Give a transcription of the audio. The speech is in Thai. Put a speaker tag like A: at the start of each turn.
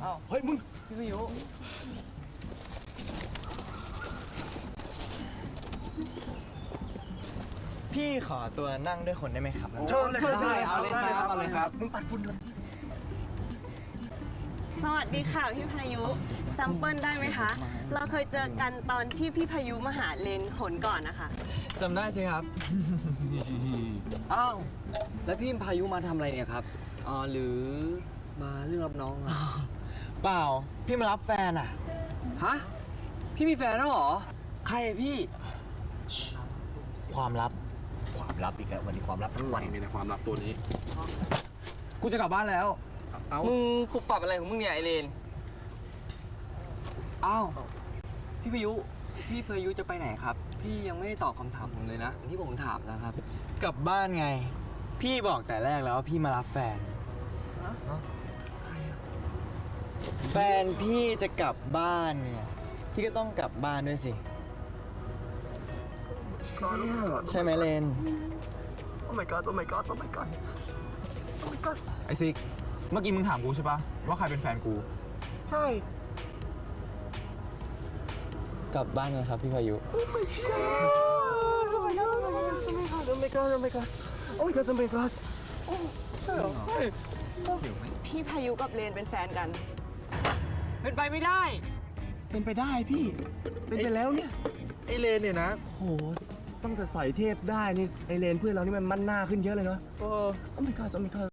A: อ้าว
B: เฮ้ยมึง
A: พี่พายุ
C: พี่ขอตัวนั่งด้วยคนได้ไหมครับ
B: เชิญเลยครับ
A: เอาเลยครับเอาเลยครับ
B: มึงปัดฝุ่นก่อน
D: สวัสดีค่ะพี่พายุจำเปิ้ลได้ไหมคะ เราเคยเจอกันตอนที่พี่พายุมาหาเลนหนก่อนนะคะ
C: จำได้ใช่ครับ
A: อ้าวแล้วพี่พายุมาทำอะไรเนี่ยครับหรือมาเรื่องรับน้องอะ
C: เปล่า พี่มารับแฟนอ่ะ
A: ฮะพี่มีแฟนแล้วเหรอใครอะพี่
C: ความลับ
B: ความลับอีกแล้ววันนี้ความลับทั้งวันมีแต่ความลับตัวนี้
A: กูจะกลับบ้านแล้ว
C: มึงปุบปรับอะไรของมึงเนี่ยไอเลน
A: อ้าวพี่พายุจะไปไหนครับ พี่ยังไม่ได้ตอบคำถามผมเลยนะที่ผมถามนะครับ
C: กลับบ้านไง พี่บอกแต่แรกแล้วว่าพี่มารับแฟน แฟนพี่จะกลับบ้านเนี่ย พี่ก็ต้องกลับบ้านด้วยสิ ใช่ไหมเลน
B: โอ้ my god โอ้ my god โอ้ my god โอ้ my god
E: ไอซิก เมื่อกี้มึงถามกูใช่ปะว่าใครเป็นแฟนกู
B: ใช่
C: กลับบ้านกันครับพี่พายุ
B: โอ้ my god โอ้ my god โอ้ my god โอ้ my god โอ้ my god โอ้ my god โอ้ ใช่เหรอเฮ้ย
D: พี่พายุกับเลนเป็นแฟนกัน
A: เป็นไปไม่ได้
B: เป็นไปได้พี่ เป็นไปแล้วเนี่ย ไอเลนเนี่ยนะโหตั้งแต่ใส่เทพได้นี่ ไอเลนเพื่อนเรานี่มันมั่นหน้าขึ้นเยอะเลยเนาะโอ้ my god โอ้ my god